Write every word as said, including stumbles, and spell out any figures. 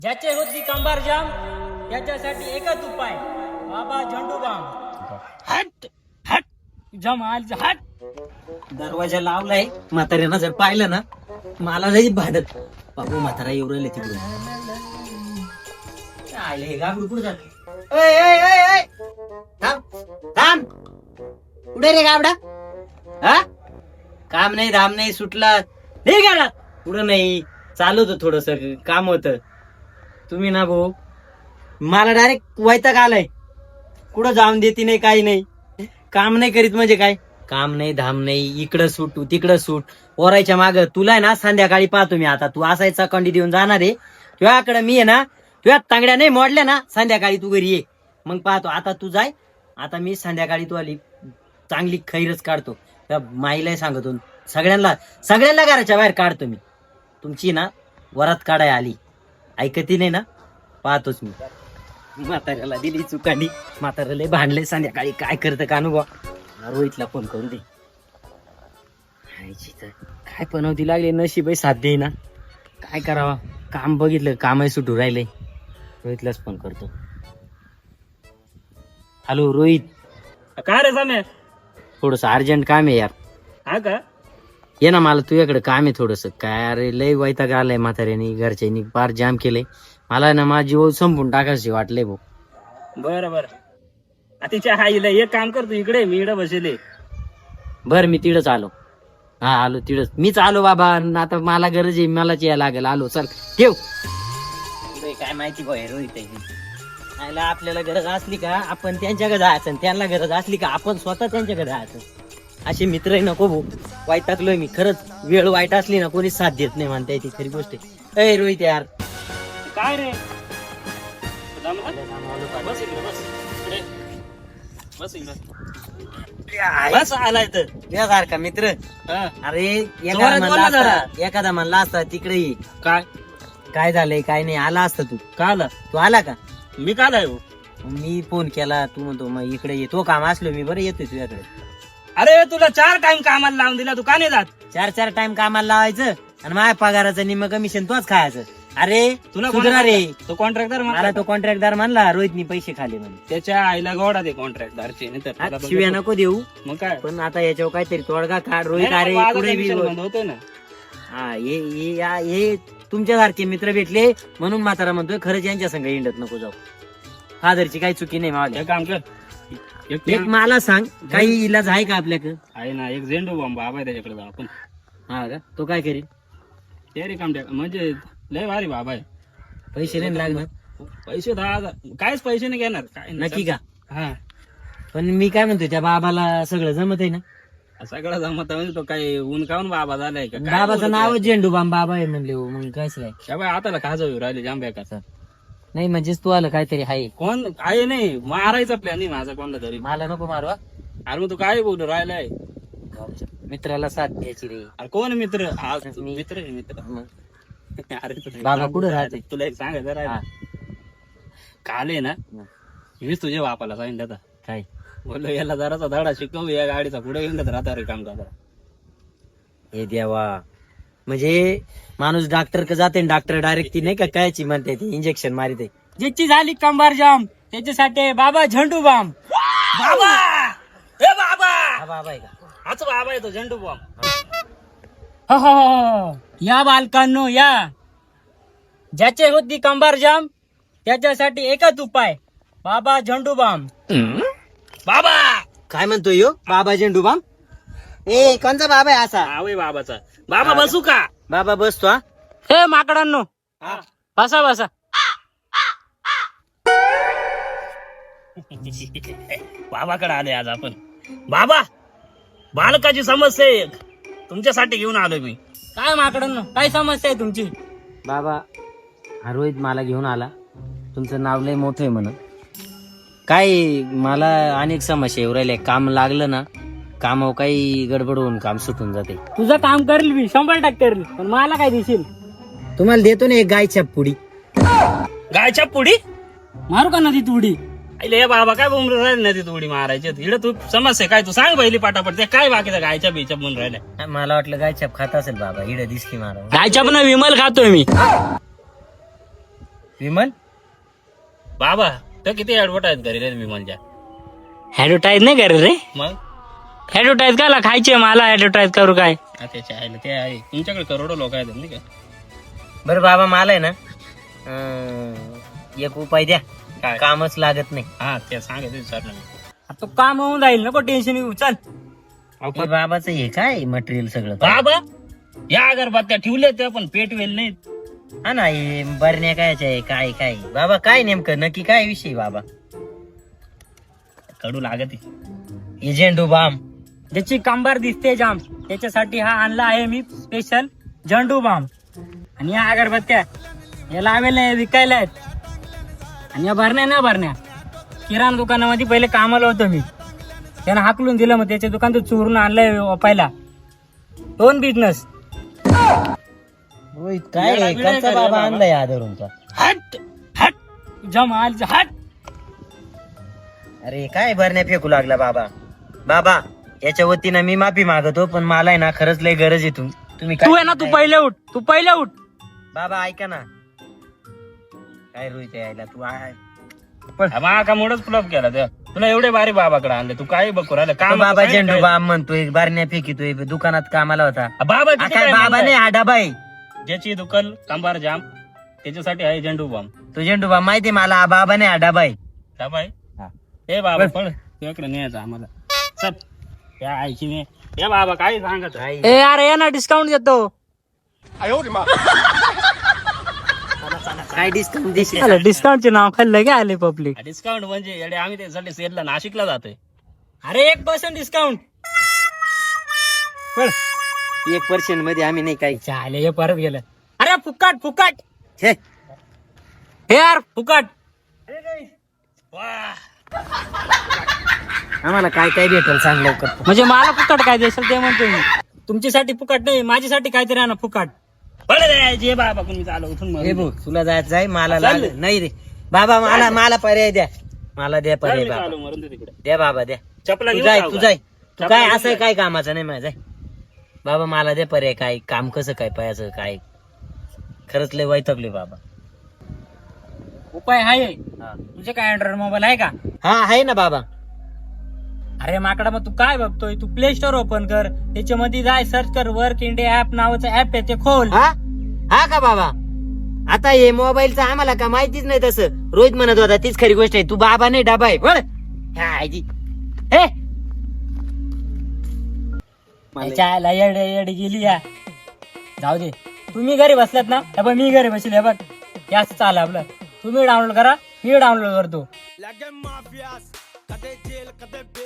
ज्याचे होती कंबार जाम त्याच्यासाठी एकच उपाय, बाबा झंडूबाम. हट हट जमाल हट. दरवाजा लावलाय. म्हाताऱ्यानं जर पाहिलं ना मला जाईल भांडत. बाबू म्हातारा येऊ राहिले तिकडून. आले हे गाबडू कुठं जात? ओय, ओय, ओय, ओय. थांब थांब. कुठे रे गाबडा? हा काम नाही धाम नाही सुटला नाही गेला पुढं नाही. चालू होतं थोडस काम होतं. तुम्ही ना भाऊ मला डायरेक्ट वैताग आलाय. कुठं जाऊन देती नाही काही नाही. काम नाही करीत म्हणजे काय? काम नाही धाम नाही. इकडं सूट तिकडं सूट ओरायच्या माग. तुला आहे ना संध्याकाळी पाहतो मी. आता तू असायचा कंडी देऊन जाणार आहे तुझ्याकडे. मी आहे ना तुझ्या तांगड्या नाही मोडल्या ना संध्याकाळी तू घरी ये मग पाहतो. आता तू जाय. आता मी संध्याकाळी तू आली चांगली खैरच काढतो. त्या माईला सांगतो सगळ्यांना सगळ्यांना घराच्या बाहेर काढतो मी. तुमची ना वरात काढाय आली ऐकती नाही ना पाहतोच मी. म्हाताऱ्याला दिली चुकांडी. म्हाताऱ्याला भांडले संध्याकाळी काय करतं का अनुभव. रोहितला फोन करू दे. काय पनवती लागली नशीब साथ दे ना. काय करावा काम बघितलं कामही सुटू राहिले. रोहितलाच फोन करतो. हॅलो रोहित. काय रे साम्या? थोडस अर्जंट काम आहे यार. हा का? ये ना मला तुझ्याकडे काम आहे थोडस. काय अरे लय वैताग आलाय म्हाताऱ्यानी घरच्यांनी फार जाम केलंय. मला ना माझी जीव संपून टाकायची वाटलंय भाऊ. बरं बरं तिच्या आईला एक काम करतो इकडे मी इकडे बसले. बर मी तिडच आलो. हा आलो तिडच. मीच आलो बाबा. आता मला गरज आहे मलाच यायला लागेल. आलो चल ठेव. काय माहिती भाऊ रोहित आहे आपल्याला गरज असली का आपण त्यांच्याकडे जायचं. त्यांना गरज असली का आपण स्वतः त्यांच्याकडे जायचं. असे मित्र नको भाऊ. वाईटाकलोय मी खरंच. वेळ वाईट असली ना कोणी साथ देत नाही म्हणता येते खरी गोष्ट आहे. रोहित यार काय रे? बस बस बस आलाय तर यासारखा मित्र. अरे एखादा म्हणला असता एखादा म्हणला असता तिकडे ये. काय काय झालंय काय नाही आला असता तू. का आला? तू आला का? मी का आलाय? मी फोन केला तू म्हणतो मग इकडे ये. तो काम असलो मी बरं येतोय तुझ्याकडे. अरे तुला चार टाइम कामाला लावून दिला तू का नाही जात? चार चार टाइम कामाला लावायचं आणि माझ्या पगाराचं निम्म कमिशन तोच खायचं. अरे तुला सुधरा रे. तो कॉन्ट्रॅक्टर मला तो कॉन्ट्रॅक्टदार म्हणला रोहितनी पैसे खाले म्हणून. त्याच्या आईला गोडा दे कॉन्ट्रॅक्टदारचे नाही तर शिव्या नको देऊ. मग काय पण आता याच्यावर काहीतरी तोडगा काढ रोहित. नाही, अरे माझा पुढे बी commission बोल. बंद होतोय ना. हा हे हे या- हे तुमच्यासारखे मित्र भेटले म्हणून म्हातारा म्हणतोय खरंच यांच्या संग इंडत नको जाऊ. फादरची काही चुकी नाही माझ्या. एक काम कर एक एक मला सांग काही इलाज आहे का आपल्याकडे? आहे ना एक झेंडू बॉम्ब बाबा आहे त्याच्याकडे जाऊ आपण. हा का? तो काय करील? ते रे काम म्हणजे लय भारी बाबा आहे. पैसे नाही लागणार? पैसे दहा हजार काहीच पैसे नाही घेणार काय नाही. नक्की का? हा पण मी काय म्हणतोय त्या बाबाला सगळं जमत आहे ना? सगळं जमत म्हणजे तो काही ऊन काऊन बाबा झालाय का काय बाबाचं बोलतोय? नावच झेंडूबाम बाबा आहे म्हणले हो, मग कायच काय. शाबाय हाताला खाजव राहिले जांब्याकाचा. नाही म्हणजेच तू आलं काहीतरी आहे. कोण आहे नाही मारायचा प्लॅन नाही माझा कोणला तरी. मला नको मारवा. अरे मग तू काय बोलू राहिलाय? मित्राला साथ द्यायची रे. अरे कोण मित्र? आज मी- मित्र आहे मित्र. मग अरे तुला- बाबा कुठं राहते? तुला एक सांगायचं हा. राहिलं काल आहे ना हं. मीच तुझ्या बापाला सांगितलं आता. काय? बोललो याला जराचा धडा शिकव या गाडीचा पुढे येऊन राहता रे काम करता. हे देवा. म्हणजे माणूस डॉक्टर का जाते डॉक्टर डायरेक्ट ती नाही का कायची म्हणते ती इंजेक्शन मारिते. ज्याची झाली कंबार जाम त्याच्यासाठी बाबा झंडू बाम. बाबा ए बाबा हा बाबा आहे का? हाच बाबा आहे तो झंडू बाम. या बालकांनो या. ज्याचे होती कंबार जाम त्याच्यासाठी एकच उपाय, बाबा झंडू बाम. बाबा काय म्हणतोय यो बाबा झेंडूबाम? ए कोणचा बाबा आहे असा? आवय बाबाचा. बाबा बसू का? बाबा बसतो हा. हे माकडांनो बसा बसा. बाबाकडे आले आज आपण. बाबा बालकाची समस्या आहे एक तुमच्यासाठी घेऊन आलोय मी. काय माकडांनो काय समस्या आहे तुमची? बाबा हा रोहित मला घेऊन आला. तुमचं नाव लय मोठं आहे म्हणून. काय मला अनेक समस्या येऊ राहिल्या. काम लागलं ना कामावर काही गडबड होऊन काम सुटून जाते. तुझं काम करेल मी शंभर टक्के करेल. पण मला काय दिसेल? तुम्हाला देतो ना एक गायच्या पुडी. गायच्या पुडी मारू का नदीत उडी? अरे बाबा काय बोंबल राहिले नदीत उडी मारायची इकडे तू समस्या काय तू सांग पहिली पाटापट. ते काय बाकीचं गायच्या बीच्या म्हणून राहिल्या? मला वाटलं गायछाप खात असेल बाबा. इड दिसकी मारा. गायच्या पण विमल खातोय मी. विमल बाबा तर किती ऍडव्हर्टाईज घरी रे विमलच्या. ऍडव्हर्टाईज नाही करे रे. मग ऍडव्हर्टाईज काला खायचे मला ऍडव्हर्टाईज करू काय. हा, त्याच्या आहे ते आहे तुमच्याकडे करोडो लोक आहेत नाही का. बरं बाबा मला आहे ना अं, एक उपाय द्या. काय? कामच लागत नाही. हा ते सांगायचं विचारलं मी. तो काम होऊन जाईल नको टेन्शन घेऊ चल. बाबाचं हे काय मटेरियल सगळं बाबा या अगरबत्त्या ठेवल्या त्या पण पेट वेल नाहीत. हा ना हे बरण्या कायच्या आहे काय काय बाबा काय नेमकं नक्की काय विषय बाबा. कडू लागत एजेंडो बाम ज्याची कंबर दिसते जाम त्याच्यासाठी हा आणला आहे मी स्पेशल झंडू बाम. आणि या अगरबत्त्या या लावेल्या विकायला आहेत. आणि या भरण्या ना भरण्या किराणा दुकानामध्ये पहिले कामाला होतो मी. त्यानं हाकलून दिलं मग त्याच्या दुकान तो चोरून आणलंय वापायला. दोन बिझनेस रोहित काय कसा बाबा आणलाय आदरूनचा. हट हट जमाल हट. अरे काय भरण्या फेकू लागला बाबा. बाबा याच्या वतीनं मी माफी मागतो पण मला आहे ना खरंच लय गरज आहे तू तुम्ही तू आहे ना तू काय- पहिले उठ तू पहिले उठ. बाबा ऐका ना काय रोहित यायला तू आहे मा का मोठच फ्लॉप केला त्या तुला एवढे बारी बाबाकडे आणले तू काय बघू राहिलं तो काम बाबा झेंडू बाम म्हणतोय बारण्या फेकितोय दुकानात कामाला होता. बाबा हा किती काय काय बाबा म्हणताय? नाही हा डबा आहे. ज्याची दुकान कंबार जाम त्याच्यासाठी आहे झेंडू बॉम्ब. तो झेंडू बाम माहितीये मला हा बाबा नाही हा डबा आहे. बाबा आहे हा. हे बाबा पण तुझ्याकडे न्यायचं आम्हाला चल या आईची ने या बाबा काय सांगत आहे? काय? ए अरे या ना डिस्काउंट देतो. काय डिस्काउंट देशील. डिस्काउंटचे नाव खाल्लं काय आले पब्लिक. डिस्काउंट म्हणजे येडे आम्ही त्यासाठी सेलला नाशिकला जातोय. अरे एक पर्सेंट डिस्काउंट. एक पर्सेंट मध्ये आम्ही नाही काही चाले हे परत गेलं. अरे फुकाट फुकाट छे. हे यार फुकाट. वा आम्हाला काय काय भेटेल सांग लवकर. म्हणजे मला फुकाट काय देशाल ते म्हणतोय मी. तुमच्यासाठी फुकाट नाही माझ्यासाठी काहीतरी आहे ना फुकाट. बरं रे, जे बाबा कोणी चालू उठून हे मरून बघ दे. तुला जायचं जाय मला चाललंय. लाग नाही रे बाबा मला मला पर्याय द्या. मला द्या चल पर्याय मी बाबा चालू मरून दे तिकडे. द्या बाबा द्या. चपला तू घेऊन जाय जाऊ तू का? जाय तू चपला काय घेऊन असं जाय. काय कामाचं नाही माझं जाय. बाबा मला दे पर्याय काय काम कसं काय पायाचं काय खरंच लय वैतागले बाबा. उपाय आहे. हा. तुझे काय अँड्रॉइड मोबाईल आहे का. हा आहे ना बाबा. अरे माकडा मग तू काय बघतोय तू प्ले स्टोर ओपन कर त्याच्यामध्ये जाय सर्च कर वर्क इंडिया ऍप नावाचं ऍप आहे ते खोल. हा हा का बाबा. आता हे मोबाईलचं आम्हाला का माहितीच नाही तसं. रोहित म्हणत होता तीच खरी गोष्ट आहे. तू बाबा नाही डबा आहे बळ. हे त्याच्या येडे येडे गेली या. जाऊ दे तुम्ही घरी बसलात ना हे बघ मी घरी बसले हे बघ हे असं चाललं आपलं. तुम्ही डाउनलोड करा मी डाउनलोड करतो.